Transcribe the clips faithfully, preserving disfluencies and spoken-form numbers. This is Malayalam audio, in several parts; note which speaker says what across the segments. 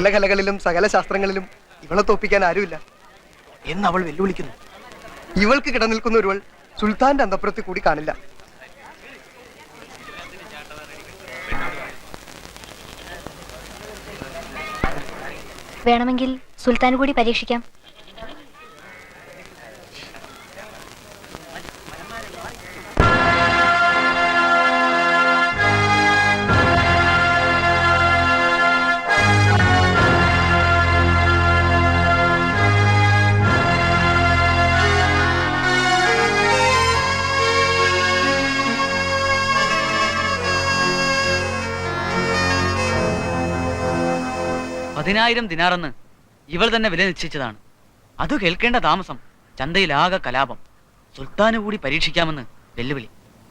Speaker 1: സകല കലകളിലും സകല ശാസ്ത്രങ്ങളിലും ഇവളെ തോപ്പിക്കാൻ ആരുമില്ല എന്ന് അവൾ വെല്ലുവിളിക്കുന്നു. ഇവൾക്ക് കിടനിൽക്കുന്ന ഒരുവൾ സുൽത്താന്റെ അന്തപ്പുറത്തിൽ കൂടി കാണില്ല.
Speaker 2: വേണമെങ്കിൽ സുൽത്താൻ കൂടി പരീക്ഷിക്കാം.
Speaker 3: പതിനായിരം ദിനാറെന്ന് ഇവൾ തന്നെ വില നിശ്ചയിച്ചതാണ്. അത് കേൾക്കേണ്ട താമസം ചന്തയിലാകെ കലാപം. സുൽത്താന് കൂടി പരീക്ഷിക്കാമെന്ന് വെല്ലുവിളി.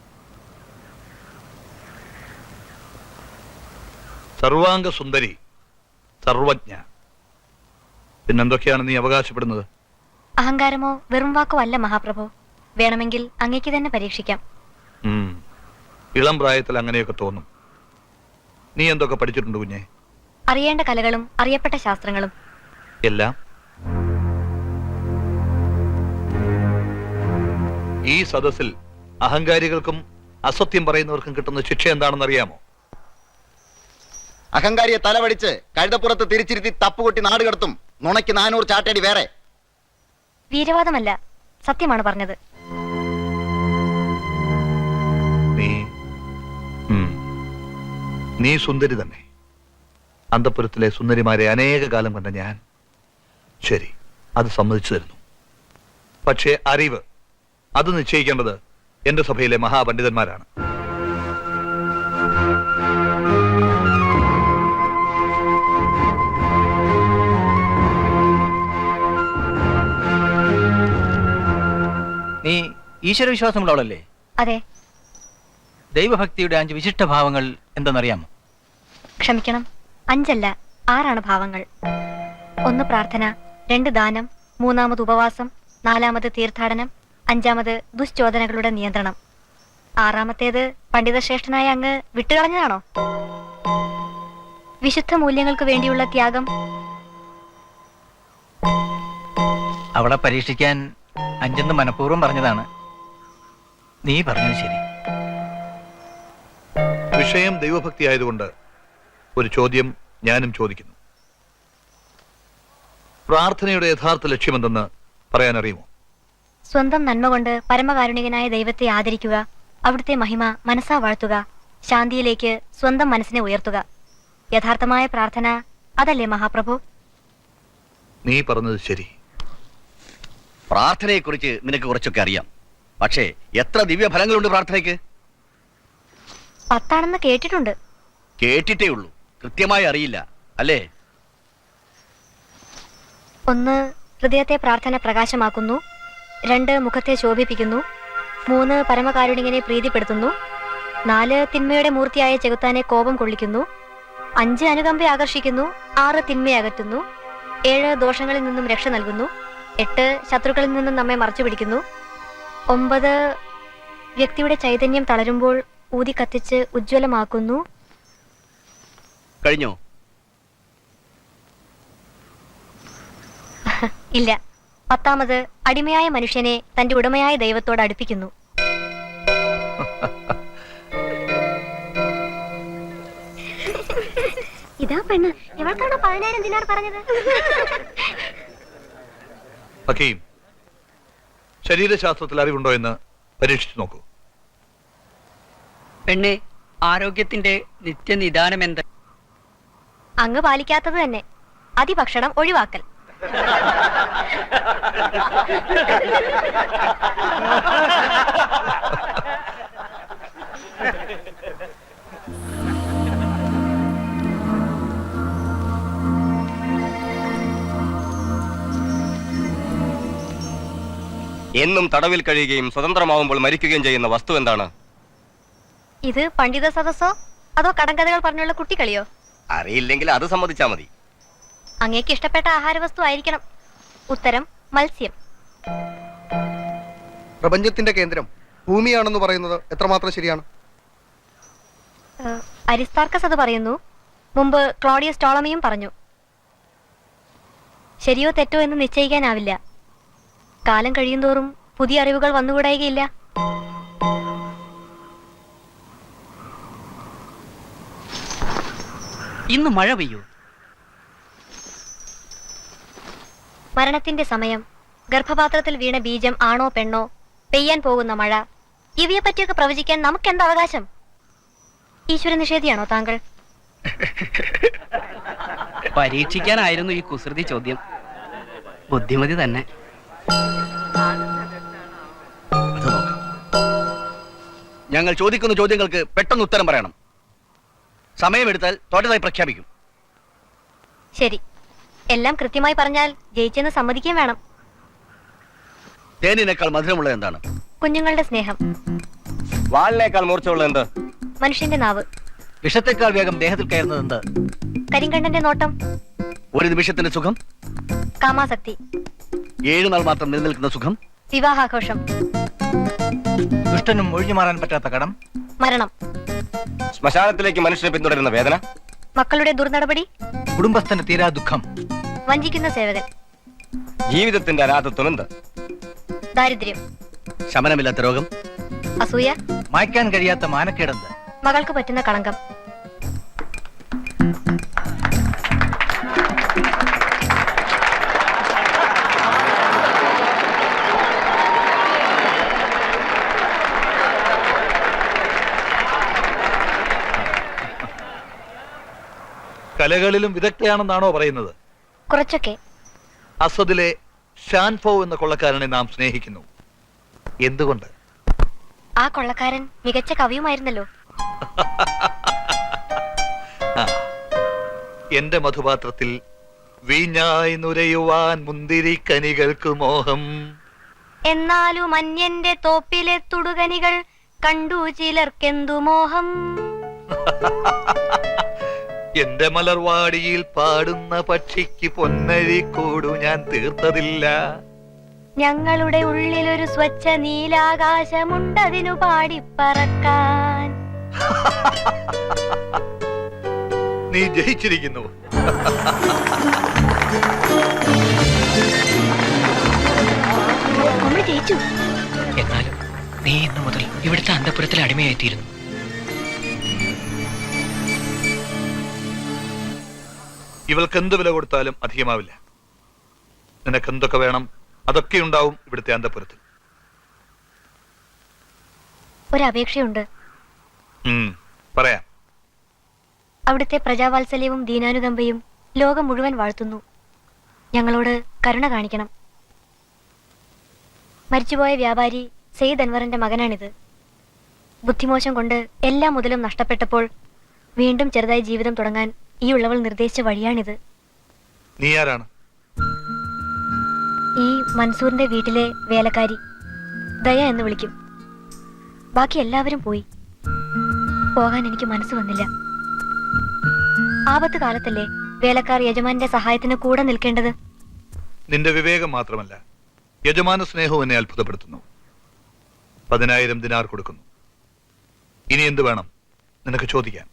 Speaker 4: സർവാംഗ സുന്ദരി, സർവജ്ഞ, പിന്നെന്തൊക്കെയാണ് നീ അവകാശപ്പെടുന്നത്?
Speaker 2: അഹങ്കാരമോ വെറും വാക്കോ അല്ല മഹാപ്രഭു. വേണമെങ്കിൽ അങ്ങേക്ക് തന്നെ പരീക്ഷിക്കാം.
Speaker 4: ഇളം പ്രായത്തിൽ അങ്ങനെയൊക്കെ തോന്നും. നീ എന്തൊക്കെ പഠിച്ചിട്ടുണ്ട് കുഞ്ഞെ?
Speaker 2: അറിയേണ്ട കലകളും അറിയപ്പെട്ട ശാസ്ത്രങ്ങളും
Speaker 4: എല്ലാം. ഈ സദസ്സിൽ അഹങ്കാരികൾക്കും അസത്യം പറയുന്നവർക്കും കിട്ടുന്ന ശിക്ഷ എന്താണെന്ന് അറിയാമോ?
Speaker 5: അഹങ്കാരിയെ തലവടിച്ച് കഴുതപ്പുറത്ത് തിരിച്ചിരുത്തി തപ്പുകൊട്ടി നാട് കടത്തും. നുണയ്ക്ക് നാനൂറ് ചാട്ടടി വേറെ.
Speaker 2: വീരവാദമല്ല, സത്യമാണ് പറഞ്ഞത്.
Speaker 4: നീ നീ സുന്ദരി തന്നെ. അന്തപുരത്തിലെ സുന്ദരിമാരെ അനേക കാലം കണ്ട ഞാൻ. ശരി, അത് സമ്മതിച്ചു തരുന്നു. പക്ഷേ അറിവ് അത് നിശ്ചയിക്കേണ്ടത് എന്റെ സഭയിലെ മഹാപണ്ഡിതന്മാരാണ്.
Speaker 6: നീ ഈശ്വരവിശ്വാസമുള്ളവളല്ലേ?
Speaker 2: അതെ.
Speaker 6: ദൈവഭക്തിയുടെ അഞ്ച് വിശിഷ്ട ഭാവങ്ങൾ എന്തെന്നറിയാമോ?
Speaker 2: ക്ഷമിക്കണം, അഞ്ചല്ല ആറാണ് ഭാവങ്ങൾ. ഒന്ന് പ്രാർത്ഥന, രണ്ട് ദാനം, മൂന്നാമത് ഉപവാസം, നാലാമത് തീർത്ഥാടനം, അഞ്ചാമത് ദുശ്ചോദനകളുടെ നിയന്ത്രണം. ആറാമത്തേത് പണ്ഡിതശ്രേഷ്ഠനായ അങ്ങ് വിട്ടുകളഞ്ഞതാണോ? വിശുദ്ധ മൂല്യങ്ങൾക്ക് വേണ്ടിയുള്ള ത്യാഗം.
Speaker 6: അവളെ പരീക്ഷിക്കാൻ അഞ്ചെന്ന് മനഃപൂർവ്വം പറഞ്ഞതാണ്. നീ പറഞ്ഞത് ശരി.
Speaker 4: വിഷയം ദൈവഭക്തി ആയതുകൊണ്ട് ഒരു ചോദ്യം ഞാനും ചോദിക്കുന്നു. പ്രാർത്ഥനയുടെ യഥാർത്ഥ ലക്ഷ്യമെന്തെന്ന് പറയാൻ അറിയുമോ?
Speaker 2: സ്വന്തം നന്മ കൊണ്ട് പരമകാരുണികനായ ദൈവത്തെ ആദരിക്കുക, അവിടുത്തെ മഹിമ മനസ്സാ വാഴ്ത്തുക, ശാന്തിയിലേക്ക് സ്വന്തം മനസ്സിനെ ഉയർത്തുക. യഥാർത്ഥമായ പ്രാർത്ഥന അതല്ലേ മഹാപ്രഭു?
Speaker 4: നീ പറഞ്ഞത് ശരി.
Speaker 5: പ്രാർത്ഥനയെക്കുറിച്ച് നിനക്ക് കുറച്ചൊക്കെ അറിയാം. പക്ഷേ എത്ര ദിവ്യഫലങ്ങളുണ്ട് പ്രാർത്ഥനയ്ക്ക്?
Speaker 2: പത്താണെന്ന് കേട്ടിട്ടുണ്ട്.
Speaker 5: കേട്ടിട്ടേ ഉള്ളൂ, കൃത്യമായി അറിയില്ല അല്ലേ?
Speaker 2: ഒന്ന്, ഹൃദയത്തെ പ്രാർത്ഥന പ്രകാശമാക്കുന്നു. രണ്ട്, മുഖത്തെ ശോഭിപ്പിക്കുന്നു. മൂന്ന്, പരമകാരുണികനെ പ്രീതിപ്പെടുത്തുന്നു. നാല്, തിന്മയുടെ മൂർത്തിയായ ചെകുത്താനെ കോപം കൊള്ളിക്കുന്നു. അഞ്ച്, അനുകമ്പ ആകർഷിക്കുന്നു. ആറ്, തിന്മയെ അകറ്റുന്നു. ഏഴ്, ദോഷങ്ങളിൽ നിന്നും രക്ഷ നൽകുന്നു. എട്ട്, ശത്രുക്കളിൽ നിന്നും നമ്മെ മറച്ചു പിടിക്കുന്നു. ഒമ്പത്, വ്യക്തിയുടെ ചൈതന്യം തളരുമ്പോൾ ഊതി കത്തിച്ച് ഉജ്ജ്വലമാക്കുന്നു.
Speaker 5: കഴിഞ്ഞോ?
Speaker 2: ഇല്ല. പത്താമത്, അടിമയായ മനുഷ്യനെ തന്റെ ഉടമയായ ദൈവത്തോട് അടുപ്പിക്കുന്നു. ഇതാ പെണ്ണ്. ഇവൾക്കാണോ പതിനായിരം ദിനാർ പറഞ്ഞത്?
Speaker 4: ഹക്കീം, ശരീരശാസ്ത്രത്തിൽ അറിവുണ്ടോ എന്ന് പരീക്ഷിച്ചു നോക്കൂ.
Speaker 3: പെണ്ണെ, ആരോഗ്യത്തിന്റെ നിത്യനിദാനം എന്ത്?
Speaker 2: അങ്ങ് പാലിക്കാത്തത് തന്നെ. അതിഭക്ഷണം ഒഴിവാക്കൽ.
Speaker 5: എന്നും തടവിൽ കഴിയുകയും സ്വതന്ത്രമാവുമ്പോൾ മരിക്കുകയും ചെയ്യുന്ന വസ്തു എന്താണ്?
Speaker 2: ഇത് പണ്ഡിത സദസ്സോ അതോ കടങ്കഥകൾ പറഞ്ഞുള്ള കുട്ടിക്കളിയോ?
Speaker 5: അറിയില്ലെങ്കിൽ അത് സമ്മതിച്ചാ മതി.
Speaker 2: അങ്ങേക്ക് ഇഷ്ടപ്പെട്ട ആഹാരവസ്തു ആയിരിക്കണം. ഉത്തരം, മത്സ്യം.
Speaker 1: പ്രപഞ്ചത്തിന്റെ കേന്ദ്രം ഭൂമിയാണെന്ന് പറയുന്നത് എത്രമാത്രം ശരിയാണ്?
Speaker 2: അരിസ്താർക്കസ് അത് പറയുന്നു. മുമ്പ് ക്ലോഡിയസ് ടോളമിയും പറഞ്ഞു. ശരിയോ തെറ്റോ എന്ന് നിശ്ചയിക്കാനാവില്ല. കാലം കഴിയുന്തോറും പുതിയ അറിവുകൾ വന്നുകൂടായികയില്ല.
Speaker 3: ഇന്ന് മഴ പെയ്യൂ.
Speaker 2: മരണത്തിന്റെ സമയം, ഗർഭപാത്രത്തിൽ വീണ ബീജം ആണോ പെണ്ണോ, പെയ്യാൻ പോകുന്ന മഴ, ഇവയെ പറ്റിയൊക്കെ പ്രവചിക്കാൻ നമുക്കെന്ത് അവകാശം? ഈശ്വര നിഷേധിയാണോ താങ്കൾ?
Speaker 7: പരീക്ഷിക്കാനായിരുന്നു ഈ കുസൃതി ചോദ്യം. ബുദ്ധിമതി തന്നെ.
Speaker 5: ഞങ്ങൾ ചോദിക്കുന്ന ചോദ്യങ്ങൾക്ക് പെട്ടെന്ന് ഉത്തരം പറയണം. സമയമെടുത്താൽ തോറ്റതായി പ്രഖ്യാപിക്കും.
Speaker 2: ശരി, എല്ലാം കൃത്യമായി പറഞ്ഞാൽ ജയിച്ചെന്ന് സമ്മതിക്കുകയും വേണം.
Speaker 5: തേനിനേക്കാൾ മധുരമുള്ളത് എന്താണ്?
Speaker 2: കുഞ്ഞുങ്ങളുടെ സ്നേഹം.
Speaker 5: വാളിനേക്കാൾ മൂർച്ചയുള്ളത് എന്ത്?
Speaker 2: മനുഷ്യന്റെ നാവ്.
Speaker 6: വിഷത്തെക്കാൾ വേഗം ദേഹത്തിൽ കയറുന്നത് എന്ത്?
Speaker 2: കരിങ്കണ്ണന്റെ നോട്ടം.
Speaker 5: ഒരു നിമിഷത്തിന്റെ സുഖം.
Speaker 2: കാമാസക്തി.
Speaker 5: ഏഴു നാൾ മാത്രം നിലനിൽക്കുന്ന സുഖം.
Speaker 2: വിവാഹാഘോഷം.
Speaker 6: ദുഷ്ടനും ഒഴിഞ്ഞു മാറാൻ പറ്റാത്ത കടം.
Speaker 2: മരണം.
Speaker 5: ശ്മശാനത്തിലേക്ക് മനുഷ്യനെ പിന്തുടരുന്ന വേദന.
Speaker 2: മക്കളുടെ ദുർനടപടി.
Speaker 6: കുടുംബസ്ഥന് തീരാ ദുഃഖം.
Speaker 2: വഞ്ചിക്കുന്ന സേവകൻ.
Speaker 5: ജീവിതത്തിന്റെ അനാഥത്വം എന്ത്?
Speaker 2: ദാരിദ്ര്യം.
Speaker 5: ശമനമില്ലാത്ത രോഗം.
Speaker 2: അസൂയ.
Speaker 6: മായ്ക്കാൻ കഴിയാത്ത മാനക്കേടെന്ത്?
Speaker 2: മകൾക്ക് പറ്റുന്ന കളങ്കം.
Speaker 4: കലകളിലും വിദഗ്ധയാണെന്നാണോ പറയുന്നത്?
Speaker 2: കുറച്ചൊക്കെ.
Speaker 4: അസദിലെ ഷാൻഫോ എന്ന കൊള്ളക്കാരനെ നാം സ്നേഹിക്കുന്നു. എന്തുകൊണ്ട്?
Speaker 2: ആ കൊള്ളക്കാരൻ മികച്ച കവിയുമായിരുന്നല്ലോ.
Speaker 4: ആ, എന്റെ മധുപാത്രത്തിൽ വീഞ്ഞായി നുരയുവാൻ മുന്തിരി കനികൾക്ക് മോഹം.
Speaker 2: എന്നാലും അന്യന്റെ തോപ്പിലെ തുടുകനികൾ കണ്ടു ചിലർക്കെന്തു മോഹം.
Speaker 4: എന്റെ മലർവാടിയിൽ പാടുന്ന പക്ഷിക്ക് പൊന്നഴി കൂടു ഞാൻ തീർത്തതില്ല.
Speaker 2: ഞങ്ങളുടെ ഉള്ളിലൊരു സ്വച്ഛ നീലാകാശമുണ്ടതിനു പാടിപ്പറക്കാൻ.
Speaker 4: നീ ജയിച്ചിരിക്കുന്നു.
Speaker 2: നമ്മൾ ജയിച്ചു.
Speaker 7: എന്നാലും നീ ഇന്നു മുതൽ ഇവിടുത്തെ അന്തപുരത്തിൽ അടിമയായിത്തീരുന്നു.
Speaker 4: ഇവൾക്ക് എന്ത് വില കൊടുത്താലും അധികമാവില്ല. നിനക്ക് എന്തൊക്കെ വേണം അതൊക്കെ ഉണ്ടാവും ഇവിടുത്തെ അന്തപുരത്തിൽ.
Speaker 2: ഒരപേക്ഷയുണ്ട്.
Speaker 4: ഉം, പറയാം.
Speaker 2: അവിടുത്തെ പ്രജാവാത്സല്യവും ദീനാനുകമ്പയും ലോകം മുഴുവൻ വാഴ്ത്തുന്നു. ഞങ്ങളോട് കരുണ കാണിക്കണം. മരിച്ചുപോയ വ്യാപാരി സെയ്ദ് അൻവറിന്റെ മകനാണിത്. ബുദ്ധിമോശം കൊണ്ട് എല്ലാ മുതലും നഷ്ടപ്പെട്ടപ്പോൾ വീണ്ടും ചെറുതായി ജീവിതം തുടങ്ങാൻ ഈ ഉള്ളവൾ നിർദ്ദേശിച്ച വഴിയാണിത്.
Speaker 4: നീ ആരാണ്?
Speaker 2: ഈ മൻസൂറിന്റെ വീട്ടിലെ വേലക്കാരി ദയ എന്ന് വിളിക്കും. ബാക്കി എല്ലാവരും പോയി. പോകാൻ എനിക്ക് മനസ്സ് വന്നില്ല. ആപത്ത് കാലത്തല്ലേ വേലക്കാർ യജമാന്റെ സഹായത്തിന് കൂടെ നിൽക്കേണ്ടത്.
Speaker 4: നിന്റെ വിവേകം മാത്രമല്ല, യജമാന സ്നേഹവും എന്നെ അത്ഭുതപ്പെടുത്തുന്നു. പതിനായിരം ദിനാർ കൊടുക്കുന്നു. ഇനി എന്ത് വേണം നിനക്ക് ചോദിക്കാൻ?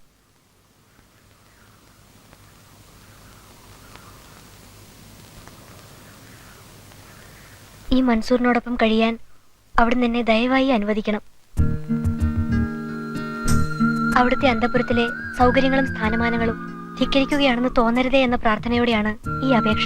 Speaker 2: ഈ മൻസൂറിനോടൊപ്പം കഴിയാൻ അവിടുന്ന് എന്നെ ദയവായി അനുവദിക്കണം. അവിടുത്തെ അന്തപുരത്തിലെ സൗകര്യങ്ങളും സ്ഥാനമാനങ്ങളും ധിക്കരിക്കുകയാണെന്ന് തോന്നരുതേ എന്ന പ്രാർത്ഥനയോടെയാണ് ഈ അപേക്ഷ.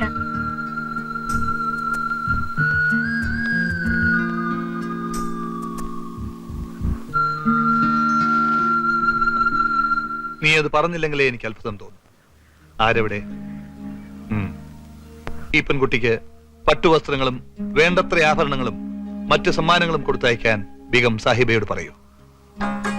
Speaker 4: നീ അത് പറഞ്ഞില്ലെങ്കിലേ എനിക്ക് അത്ഭുതം തോന്നും. ആരെവിടെ? ഉം. ഈ പെൺകുട്ടിക്ക് പട്ടുവസ്ത്രങ്ങളും വേണ്ടത്ര ആഭരണങ്ങളും മറ്റു സമ്മാനങ്ങളും കൊടുത്തയക്കാൻ ബീഗം സാഹിബയോട് പറയൂ.